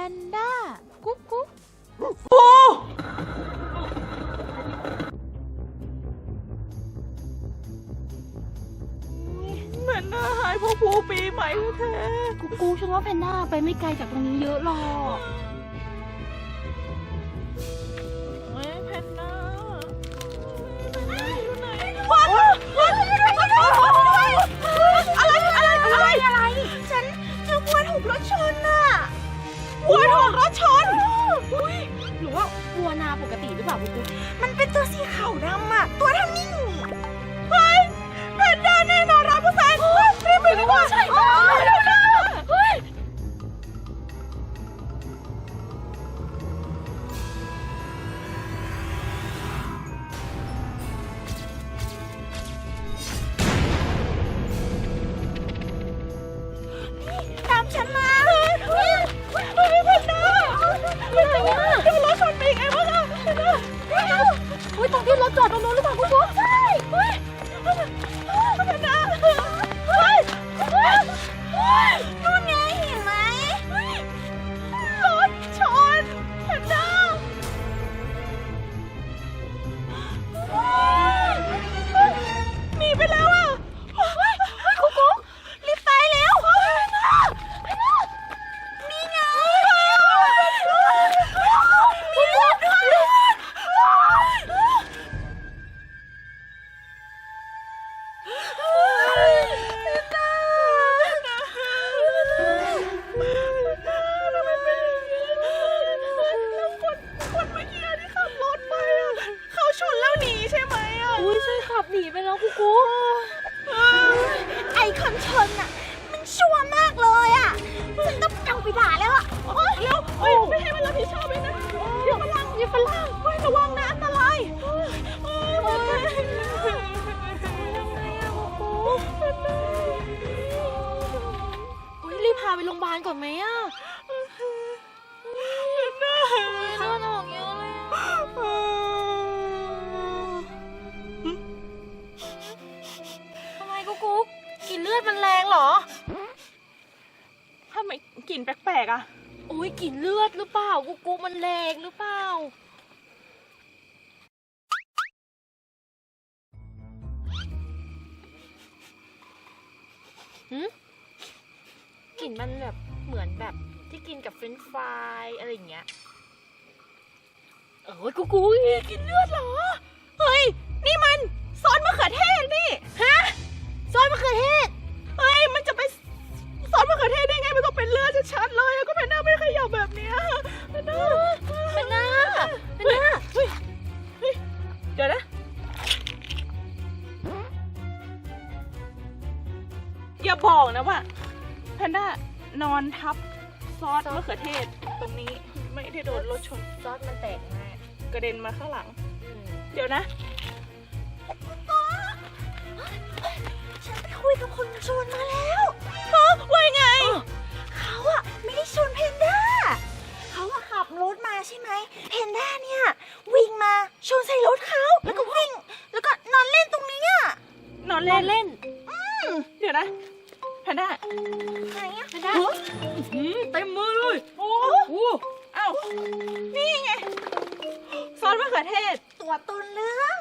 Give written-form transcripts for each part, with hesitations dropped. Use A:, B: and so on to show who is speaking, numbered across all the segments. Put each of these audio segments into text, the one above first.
A: นด้ากุ๊กกุ๊ก
B: โอ้แพนด้าหายเพราะภูปีใหม่แท้
A: กุ๊กกุ๊กฉันว่าแพนด้าไปไม่ไกลจากตรงนี้เยอะหรอก
B: แพนด้าอะไรฉันเจอวัวถูกรถชนน่ะวัวถูกรถชน
A: หรือว่าวัวนาปกติหรือเปล่ากุ๊กกุ๊ก
B: มันเป็นตัวสีขาวดำอ่ะตัวเท่านี้เฮ้ยแพนด้าแน่นอน100%รีบไปดีกว่าใช่เฮ้ยตามฉันมาเฮ้ยแพนด้าโดนรถชนไปไงบ้างอ่ะแพนด้า
A: เฮ้ยตรงที่รถจอดตรงนู้นหรือเปล่ากุ๊กกุ๊ก
B: ใช่เฮ้ยแพนด้าเฮ้ยนู่นไงเห็นไหมรถชนแพนด้าหนีไปแล้วอ่ะกุ๊กกุ๊กรีบไปแล้วนี่ไงมีรถด้วยคนเมื่อกี้ที่ขับรถไปอ่ะเขาชนแล้วหนีใช่ไหมอ่ะ
A: อุ้ยใช่ขับหนีไปแล้วกุ๊กกุ๊ก
B: ไอ้คนชนอ่ะมันชั่วมากเลยอ่ะฉันต้องเอาไปด่าแล้วอ่ะแล้วไม่ให้มันรับผิดชอบเลยนะอย่าฝรั่งระวังนะอันตราย
A: รีบพาไปโรงพยาบาลก่อนไหมอ่ะเลือดออกเยอะเลยทำไมกุ๊กกุ๊กกลิ่นเลือดมันแรงเหรอ
B: ทำไมกลิ่นแปลกๆอ่ะ
A: โอ้ยกลิ่นเลือดหรือเปล่ากุ๊กกุ๊กมันแรงหรือเปล่ากลิ่นมันแบบเหมือนแบบที่กินกับเฟรนช์ฟรายอะไรอย่างเงี้ยกุ๊กกุ๊กกลิ่นเลือดเหรอ
B: เฮ้ยนี่มันซอสมะเขือเทศนี่
A: ฮะซอสมะเขือเทศ
B: เฮ้ยมันจะไปซอสมะเขือเทศได้ไงมันต้องเป็นเลือดชัดๆเลยก็แพนด้าไม่ขยับแบบเนี้ยแพนด้าเดี๋ยวนะอย่าบอกนะว่าแพนด้านอนทับซอสมะเขือเทศตรงนี้ไม่ได้โดนรถชน
A: ซอสมันแตกมาก
B: กระเด็นมาข้างหลังเดี๋ยวนะฉันไปคุยกับคนชนมาแล้วว่าไงเขาอะไม่ได้ชนแพนด้าเขาอะขับรถมาใช่ไหมแพนด้าเนี่ยวิ่งมาชนใส่รถเขาแล้วก็วิ่งแล้วก็นอนเล่นตรงนี้อะนอนเล่นเดี๋ยวนะแพนด้าไหนอะแพนด้า
A: เต็มมือเลย
B: โอ้เอ้านี่ไงซอสมะเขือเทศตัวต้นเรื่อง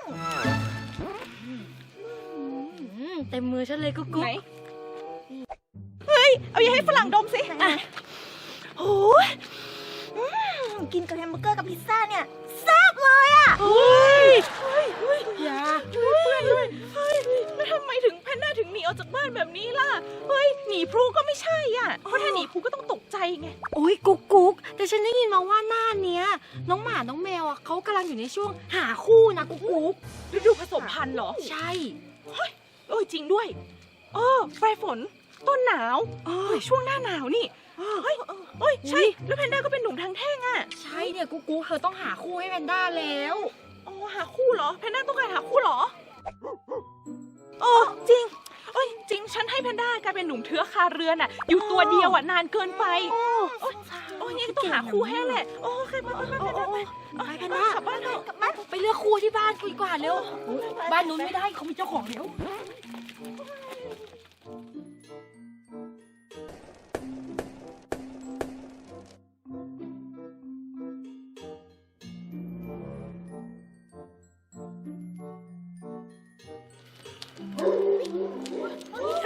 A: เต็มมือฉันเลยกุ๊กกุ๊ก
B: เฮ้ยเอาอย่าให้ฝรั่งดมสิโอ้ยกินกับแฮมเบอร์เกอร์กับพิซซ่าเนี่ยแซ่บเลยอ่ะ
A: อย่า
B: ช่วยเพื่อนด้วยเฮ้ยแล้วทำไมถึงแพนด้าถึงหนีออกจากบ้านแบบนี้ล่ะเฮ้ยหนีพลูก็ไม่ใช่อ่ะเพราะถ้าหนีพลูก็ต้องตกใจไง
A: โอ้ยกุ๊กกุ๊กแต่ฉันได้ยินมาว่าหน้าเนี้ยน้องหมาน้องแมวอ่ะเขากำลังอยู่ในช่วงหาคู่นะกุ๊กกุ๊ก
B: ฤดูผสมพันธุ์เหรอ
A: ใช่
B: เฮ้ยจริงด้วยปลายฝนต้นหนาวช่วงหน้าหนาวนี่เฮ้ยใช่แล้วแพนด้าก็เป็นหนุ่มทางแท่งอ่ะ
A: ใช่เนี่ยกุ๊กกุ๊กเธอต้องหาคู่ให้แพนด้าแล้ว
B: หาคู่เหรอแพนด้าต้องการหาคู่เหรอจริงจริงฉันให้แพนด้ากลายเป็นหนุ่มเทือกคาเรือนอ่ะอยู่ตัวเดียวอ่ะนานเกินไปนี่ต้องหาคู่ให้แหละโอเคไป
A: แพนด้ากลับบ้านเถอะไปเลือกคู่ที่บ้านดีกว่าเร็วบ้านนู้นไม่ได้เขามีเจ้าของแล้ว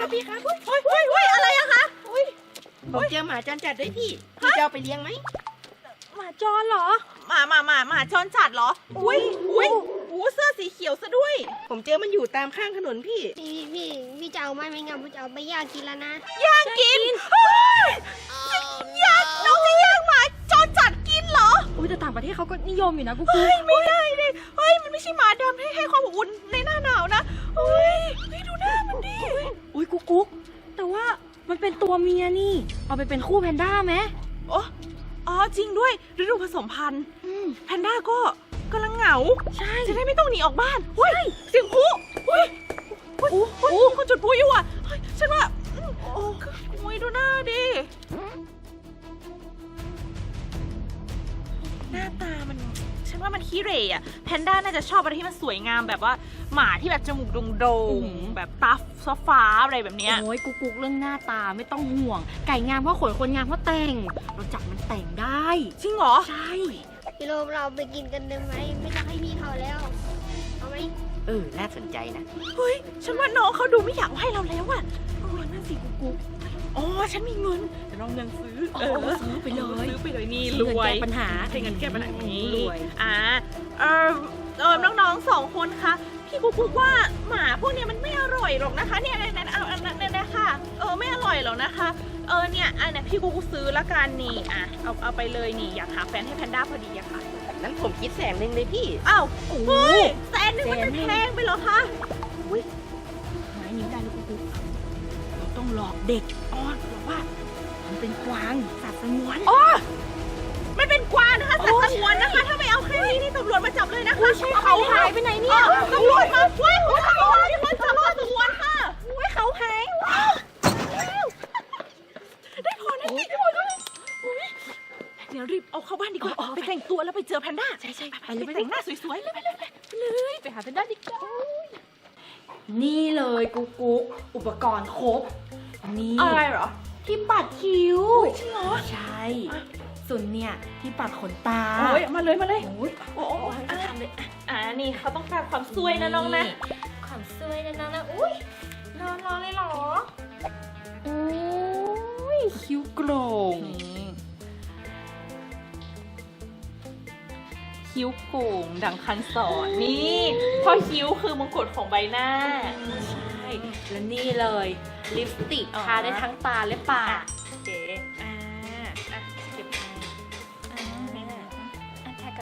C: พี่ครับอุ้ย
B: โอ้ยอะไรอะคะ
C: ผมเจอหมาจรจัดด้วยพี่จะเอาไปเลี้ยงไหม
A: หมาจรเหรอ
B: หมาจรจัดเหรอ อุ้ยเสื้อสีเขียวซะด้วย
C: ผมเจอมันอยู่ตามข้างถนนพี่
D: พี่จะเอาไหมไม่งั้นผมจะเอาไปย่างกินแล้วนะ
B: ย่างกินเฮ้ยย่างน้องจะย่างหมาจรจัดกินเหรอ
A: อุ้ยแต่ต่างประเทศเขาก็นิยมอยู่นะกุ๊ก
B: เฮ้ยไม่ได้เลยเฮ้ยมันไม่ใช่หมาดำให้ความอบอุ่นในหน้าหนาวนะเฮ้ยดูหน้ามันดิ
A: อุ้ยกุ๊กแต่ว่ามันเป็นตัวเมียนี่ เอาไปเป็นคู่แพนด้าไหม
B: อ๋อจริงด้วยฤดูผสมพันธุ์แพนด้าก็กำลังเหงา
A: ใช่
B: จะได้ไม่ต้องหนีออกบ้านเฮ้ยเสียงผู้เฮ้ยมีคนจุดผู้อยู่อ่ะเฮ้ยฉันว่าโอ้ยดูหน้าดิหน้าตามันฉันว่ามันขี้เหร่อะแพนด้าน่าจะชอบอะไรที่มันสวยงามแบบว่าหมาที่แบบจมูกโด่งๆแบบตาฟ้าอะไรแบบเนี้ย
A: โอ้ยกุ๊กเรื่องหน้าตาไม่ต้องห่วง ไก่งามเพราะขนคนงามเพราะแต่ง เราจับมันแต่งได้
B: จริงเหรอ
A: ใช่
D: พี่โรมเราไปกินกันได้ไหมไม่ต้องให้พี่เขาแล้ว เอาไหม
C: น่าสนใจนะ
B: เฮ้ยฉันว่าน้องเขาดูไม่อยากให้เราแล้วอะนั่นสิกุ๊กอ๋อฉันมีเงินเดี๋ยวน้องเงินซื้อ
A: ซื้อไปเลย
B: ซื้อไปเลยนี่
A: ซื้
B: ร
A: อเงิน
B: วย
A: แก้ปัญหา
B: ใช้เงินแก้ปัญหานี้
A: รวย
B: น้องๆ2 คนคะพี่กุ๊กว่าหมาพวกเนี้ยมันไม่อร่อยหรอกนะคะเนี่ยเอาอันนั้นเนี่ยค่ะไม่อร่อยหรอกนะคะเนี่ยอันนี้พี่กุ๊กซื้อละกันนี่เอาไปเลยนี่อยากหาแฟนให้แพนด้าพอดีอะค่ะ
C: นั้นผมคิด100,000เลยพี่
B: อ้าวเฮ้ย100,000มันแพงไปเหรอคะ
A: ไม้นิ้วได้เลยกุ๊กเราต้องหลอกเด็กอ้อนบอกว่ามันเป็นกวางสัตว์สงวน
B: อ๋อมันเป็นกวางนะคะสัตว์สงวนนะคะ ถ้าไม่เอาแค่นี้นี่ตำรวจมาจับเลยนะคะ
A: เขาหายไปไหนเนี่ย
B: ตำรวจมาช่วยตำรวจมาจับสัตว์สงวนค่ะ
A: เขาหาย
B: ได้พอนะพี่เดี๋ยวรีบเอาเข้าบ้านดีกว่าไปแต่งตัวแล้วไปเจอแพนด้าใช่ไปแต่งหน้าสวยๆเลย
A: ไปหาแพนด้าดีกว่านี่เลยกุ๊กอุปกรณ์ครบนี่
B: อะไรเหรอ
A: ที่ปัดคิ้ว
B: จริงเหรอ
A: ใช่ ส่วนเนี่ยที่ปัดขนตา
B: โอ้ยมาเลย
A: โอ้ย
B: โอ้ทำเลยนี่เขาต้องการความสวยนะน้องนะ
A: ความสวยนะน้องนะอุ้ยนอนเลยเหรอโอ้ยคิ้วโกร่ง
B: คิ้วโก่งดังคันสอนนี่เพราะคิ้วคือมงกุฎของใบหน้า
A: ใช่แล้วนี่เลยลิปสติก
B: อ๋อ
A: ทาได้ทั้งตาและปาก
B: โอเคเก็บ
A: ทากับ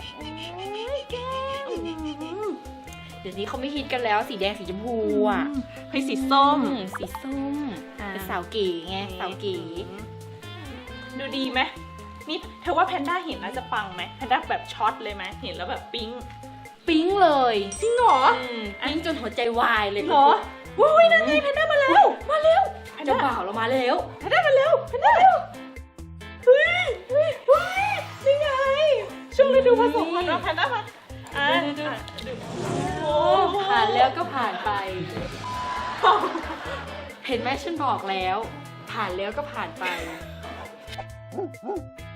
A: เดี๋ยวนี้เขาไม่ฮิตกันแล้วสีแดงสีชมพูอ่ะ
B: ให้สีส้ม
A: สีส้มเป็นสาวเก๋ไงสาวเก๋
B: ดูดีไหมนี่เธอว่าแพนด้าเห็นแล้วจะปังไหมแพนด้าแบบช็อตเลยไหมเห็นแล้วแบบปิ๊ง
A: ปิ๊งเลย
B: จริงเหรอ
A: ปิ๊งจนหัวใจวายเลย
B: เหรอวุ้ยนั่นไงแพนด้ามาแล้วแพน
A: เจ้า
B: ด้า
A: บ่าวเรามาแล้ว
B: แพนด้ามาแล้วเฮ้ยนี่ไงช่วงฤดูผสมพันธุ์แพนด้ามาโอ้
A: ผ่านแล้วก็ผ่านไป เห็นไหมฉันบอกแล้ว ผ่านแล้วก็ผ่านไป